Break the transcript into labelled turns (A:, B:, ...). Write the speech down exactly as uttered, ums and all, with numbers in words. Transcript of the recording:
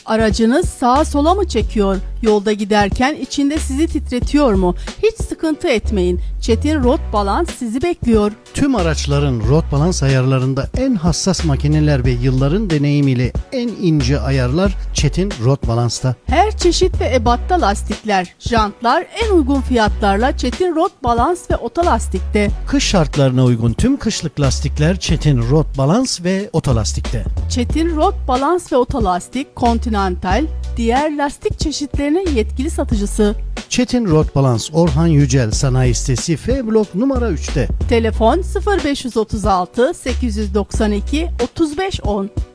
A: Aracınız sağa sola mı çekiyor? Yolda giderken içinde sizi titretiyor mu? Hiç sıkıntı etmeyin. Çetin Rot Balans sizi bekliyor.
B: Tüm araçların rot balans ayarlarında en hassas makineler ve yılların deneyimiyle en ince ayarlar Çetin Rot Balans'ta.
A: Her çeşit ve ebatta lastikler, jantlar en uygun fiyatlarla Çetin Rot Balans ve Otolastik'te.
B: Kış şartlarına uygun tüm kışlık lastikler Çetin Rot Balans ve Otolastik'te.
A: Çetin Rot Balans ve Otolastik, Continental, diğer lastik çeşitlerinin yetkili satıcısı.
B: Çetin Rot Balans Orhan Yücel Sanayi Sitesi F Blok numara üçte.
A: Telefon sıfır beş otuz altı sekiz doksan iki otuz beş on.